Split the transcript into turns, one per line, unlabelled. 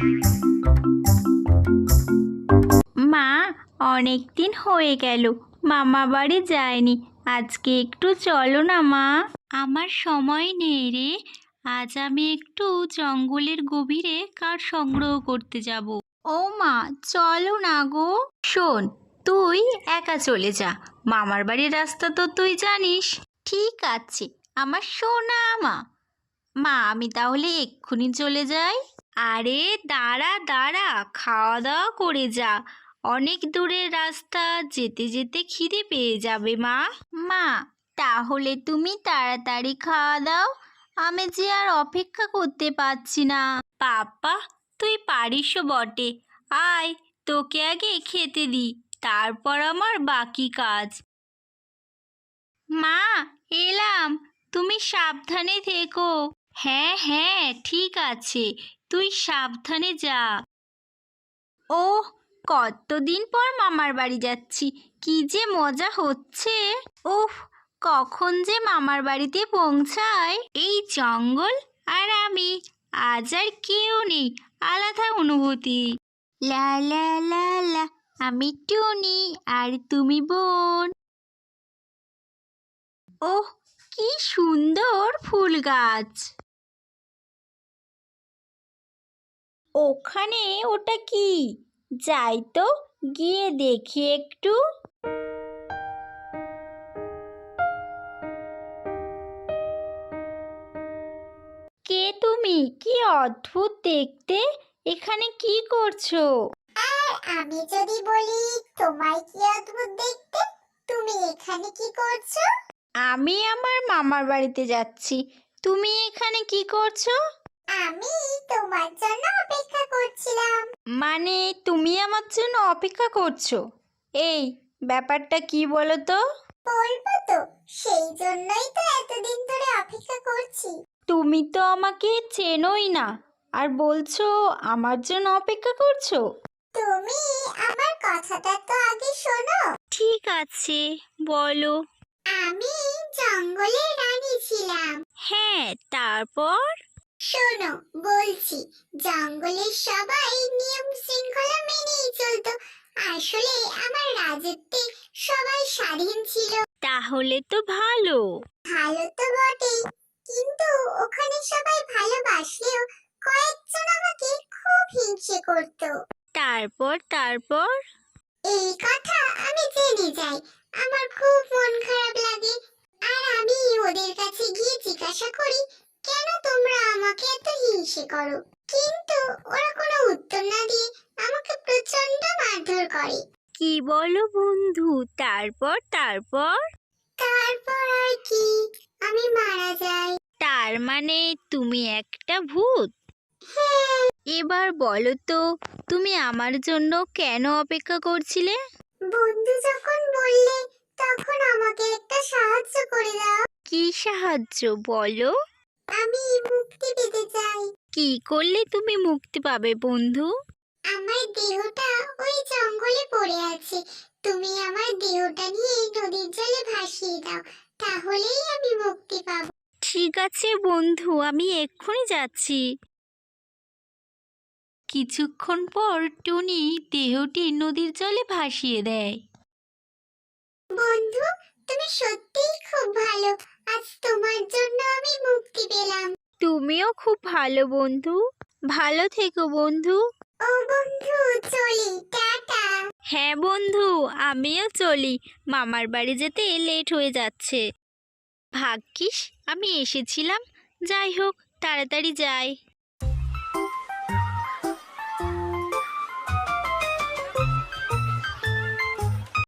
মা, অনেক দিন হয়ে গেল মামা বাড়ি যায়নি। আজকে একটু চলো না মা। আমার সময় নেই রে। আজ আমি একটু জঙ্গলের গভীরে কাঠ সংগ্রহ করতে যাব। ও মা, চলো না গো। শোন, তুই একা চলে যা, মামার বাড়ির রাস্তা তো তুই জানিস। ঠিক আছে আমার সোনা মা। মা, আমি তাহলে এক্ষুনি চলে যাই। আরে দাঁড়া দাঁড়া, খাওয়া দাওয়া করে যা। অনেক দূরের রাস্তা, যেতে যেতে খিদে পেয়ে যাবে মা। মা, তাহলে তুমি তাড়াতাড়ি খাওয়া দাও, আমি যে আর অপেক্ষা করতে পারছি না। পাপা, তুই পারিসও বটে। আয়, তোকে আগে খেতে দি, তারপর আমার বাকি কাজ। মা, এলাম, তুমি সাবধানে থেকো। হ্যাঁ হ্যাঁ ঠিক আছে, তুই সাবধানে যা। ওহ, কতদিন পর মামার বাড়ি যাচ্ছি, কি যে মজা হচ্ছে। উফ, কখন যে মামার বাড়িতে পৌঁছায়। এই জঙ্গল আর আমি, আজ আর কেউ নেই, আলাদা অনুভূতি। লা লা লা লা, আমি টুনি আর তুমি বোন। ওহ, কি সুন্দর ফুল গাছ। ওখানে ওটা কি? যাই তো, গিয়ে দেখি একটু। কে তুমি? কি অদ্ভুত দেখতে, এখানে কি করছো?
আর আমি যদি বলি তোমায় কি অদ্ভুত দেখতে, তুমি এখানে কি করছো?
আমি আমার মামার বাড়িতে যাচ্ছি, তুমি এখানে কি করছো?
আমি তোমার জন্য অপেক্ষা করছিলাম।
মানে তুমি আমার জন্য অপেক্ষা করছো? এই, ব্যাপারটা কি বলো তো?
বলবো তো, সেই জন্যই তো এতদিন ধরে অপেক্ষা করছি।
তুমি তো আমাকে চেনোই না, আর বলছো আমার জন্য অপেক্ষা করছো।
তুমি আমার কথাটা তো আগে শোনো।
ঠিক আছে, বলো।
আমি জঙ্গলের রানী ছিলাম।
হ্যাঁ, তারপর?
শোনো, বলছি, জঙ্গলের সবাই নিয়ম শৃঙ্খলা মেনেই চলতো। আসলে আমার রাজত্বে সবাই স্বাধীন ছিল।
তাহলে তো ভালো।
ভালো তো বটেই, কিন্তু ওখানে সবাই ভালোবাসলেও কয়েকজন আমাকে খুব হিংসে করত।
তারপর তারপর?
এই কথা আমি জেনে যাই, আমার খুব মন খারাপ লাগে। আর আমি ওদের কাছে গিয়ে জিজ্ঞাসা করি, কেন তোমরা আমাকে এত হিংসে করো? কিন্তু ওরা কোনো উত্তর না দিয়ে আমাকে প্রচন্ড মারধর করে।
কি বলো বন্ধু, তারপর তারপর?
তারপর আর কি, আমি মারা যাই।
তার মানে তুমি একটা ভূত?
হ্যাঁ।
এবার বলো তো, তুমি আমার জন্য কেন অপেক্ষা করছিলে?
বন্ধু যখন বললে, তখন আমাকে একটা সাহায্য করে দাও।
কি সাহায্য বলো?
আমি মুক্তি পেতে চাই।
কি করলে তুমি মুক্তি পাবে বন্ধু?
আমার দেহটা ওই জঙ্গলে পড়ে আছে, তুমি আমার দেহটা নিয়ে নদীর জলে ভাসিয়ে দাও, তাহলেই আমি মুক্তি পাবো।
ঠিক আছে বন্ধু, আমি এক্ষুনি যাচ্ছি। কিছুক্ষণ পর টুনি দেহটি নদীর জলে ভাসিয়ে দেয়।
বন্ধু, তুমি সত্যিই খুব ভালো, আজ তোমার জন্য আমি মুক্তি পেলাম।
তুমিও খুব ভালো বন্ধু, ভালো থেকো বন্ধু।
ও বন্ধু, চলি, টাটা।
হ্যাঁ বন্ধু, আমিও চলি, মামার বাড়ি যেতে লেট হয়ে যাচ্ছে। ভাগ্যিস আমি এসেছিলাম, যাই হোক, তাড়াতাড়ি যাই।